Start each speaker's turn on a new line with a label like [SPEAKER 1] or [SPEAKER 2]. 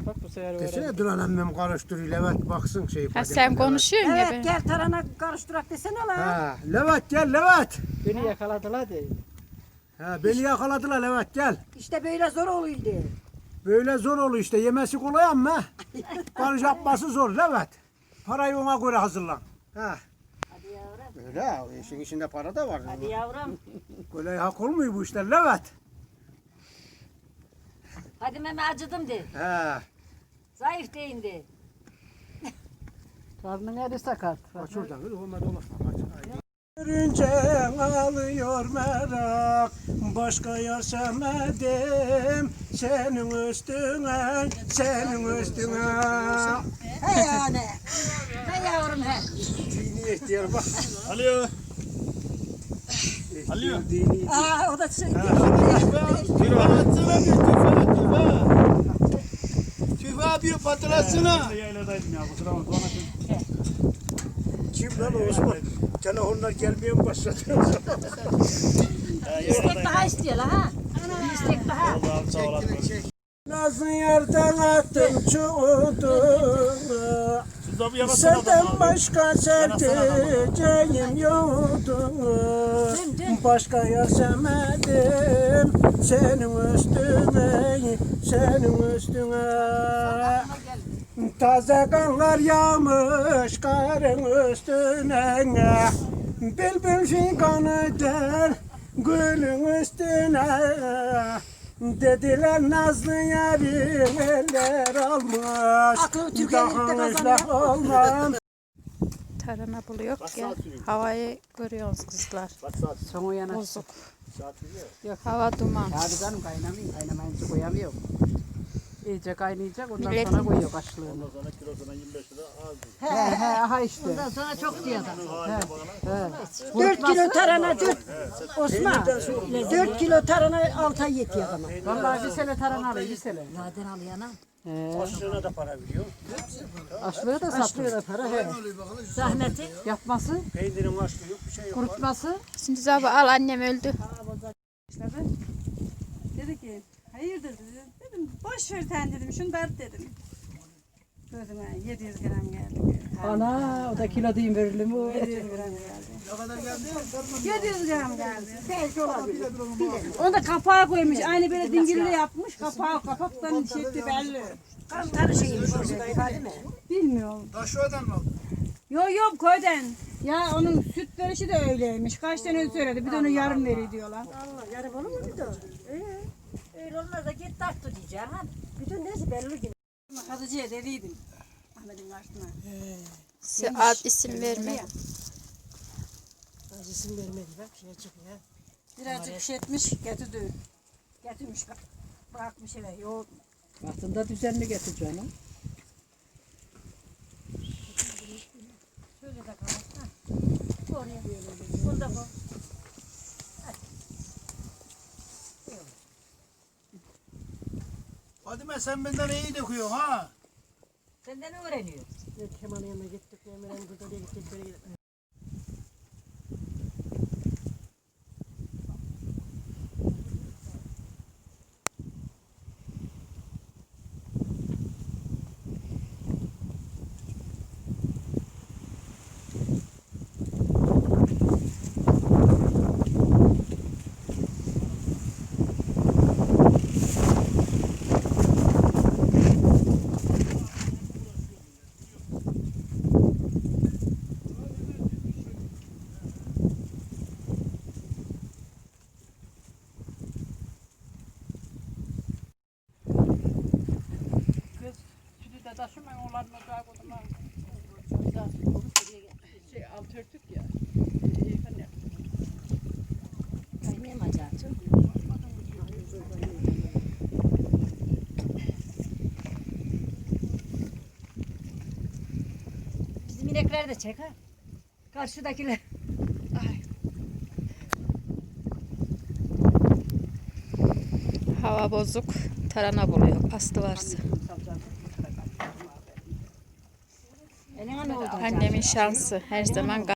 [SPEAKER 1] Bak bu sefer
[SPEAKER 2] Desene
[SPEAKER 1] öğrendim.
[SPEAKER 2] Duran emmem karıştırıyor. Levat baksın şey.
[SPEAKER 3] Ha, sen konuşuyorsun ya.
[SPEAKER 4] Evet gel tarhana karıştırak desene lan.
[SPEAKER 2] Ha, Levat gel Levat.
[SPEAKER 1] Beni yakaladılar de.
[SPEAKER 2] Ha, beni yakaladılar Levat gel.
[SPEAKER 4] İşte böyle zor oluyordu.
[SPEAKER 2] Böyle zor oluyor işte. Yemesi kolay ama karış yapması zor Levat. Parayı ona göre hazırlan. Ha.
[SPEAKER 4] Hadi yavrum.
[SPEAKER 2] Öyle o işin içinde para da var.
[SPEAKER 4] Hadi yavrum.
[SPEAKER 2] Kolay hak olmuyor bu işler Levat.
[SPEAKER 4] Hadi meme acıdım de.
[SPEAKER 2] Ha.
[SPEAKER 4] Zayıf deyin de.
[SPEAKER 1] Karnın eri sakat.
[SPEAKER 2] Aç oradan kız olmadı olmaz. Görünce alıyor merak, başka yer sevmedim, senin üstüne, senin üstüne.
[SPEAKER 4] He yani. He yavrum he.
[SPEAKER 2] Dini ihtiyar bak.
[SPEAKER 5] Alo. Alo.
[SPEAKER 2] Dini.
[SPEAKER 4] Aa o da şey.
[SPEAKER 5] Tüfe atsana bir tüfe. Tüfe abi patlasana.
[SPEAKER 1] Yayladaydım ya kusura bakma.
[SPEAKER 2] Kim lan o Osman? Telefonlar gelmeye mi başladı?
[SPEAKER 4] İstek daha istiyor la ha. Bir istek daha.
[SPEAKER 2] Nazlı yerden attım çuğduğunu, senden başka sevdiceğim yoktu. Başka yer sevmedim, senin üstüne, senin üstüne. Taze kanlar yağmış karın üstüne, bülbül figanı der gülün üstüne. Dediler Nazlı yarim eller almış,
[SPEAKER 4] Aklı Türkiye'likte
[SPEAKER 2] daha
[SPEAKER 4] kazanıyor.
[SPEAKER 2] ıslak olmam.
[SPEAKER 3] Tarhana buluyor ya. Havayı görüyorsunuz kızlar.
[SPEAKER 1] Sonu yana.
[SPEAKER 3] Bozuk. Yok, hava duman.
[SPEAKER 1] Abi canım kaynamıyor. Kaynamayınca koyamıyor. İyice kaynayacak ondan
[SPEAKER 3] Millet-
[SPEAKER 1] sonra koyuyor kaşlığını.
[SPEAKER 5] Sana kilosuna 25 lira az.
[SPEAKER 1] He aha işte.
[SPEAKER 4] Ondan sonra çok diyor da.
[SPEAKER 1] He.
[SPEAKER 4] 4 kilo tarhana 4. Osman. 4 kilo tarhana 6 ay yetiyor ama.
[SPEAKER 1] Vallahi bir sene tarhana alıyor bir sene.
[SPEAKER 4] Zaten alıyor ana.
[SPEAKER 1] He.
[SPEAKER 2] Aşçına da para veriyor.
[SPEAKER 1] Açlığı da satıyor da para. He.
[SPEAKER 4] Zahmeti.
[SPEAKER 1] Yapması,
[SPEAKER 2] Peynirin açlığı yok, bir şey yok.
[SPEAKER 1] kurutması.
[SPEAKER 3] Şimdi abi al, annem öldü.
[SPEAKER 6] Dedi ki hayırdır dedi. Dedim boş ver sen dedim şunu dert dedim. Gözüme 700 gram geldi.
[SPEAKER 1] Ana o da kilo diyeyim verilir mi?
[SPEAKER 6] 700 gram geldi. Ne kadar geldi? 700 gram geldi. Belki olabilir. Onu da kapağa koymuş. Aynı böyle dingille yapmış. Kapaktan şekli belli.
[SPEAKER 4] Kantarı şeymiş o değil mi?
[SPEAKER 6] Bilmiyorum.
[SPEAKER 5] Taşo'dan mı aldın?
[SPEAKER 6] Yok köyden. Ya onun süt verişi de öyleymiş. Kaç tane söyledi. Bir de onu yarım veriyor diyorlar.
[SPEAKER 4] Allah yarım olur mu bir de? Öyle olmaz da git tarttı diyeceğim ha. Bütün nesi belli gibi.
[SPEAKER 6] Kadıcıya dediydim. Ahmet'in karşısına.
[SPEAKER 3] Size ad isim verme.
[SPEAKER 4] İsim vermedi bak şeye çıkıyor.
[SPEAKER 6] Birazcık pişetmiş getirdi. Getirmiş bırakmış eve. Yoğurt.
[SPEAKER 1] Aslında düzenli getir canım.
[SPEAKER 4] Şöyle de kalır. Oraya. Bunda bu.
[SPEAKER 5] Fadime sen benden iyi döküyorsun ha.
[SPEAKER 4] Senden öğreniyor.
[SPEAKER 2] Kemal'in yanına gittik, Emre'nin burada diye gittik, böyle gittik.
[SPEAKER 1] Sütü de taşımayın onların ocağı koydum. Alt örtük ya.
[SPEAKER 4] Kaynayayım acaba. Bizim inekler de çek ha. Karşıdakiler.
[SPEAKER 3] Hava bozuk. Tarhana buluyor. Astı varsa.
[SPEAKER 4] Eline ne oldu?
[SPEAKER 3] Annemin şansı her zaman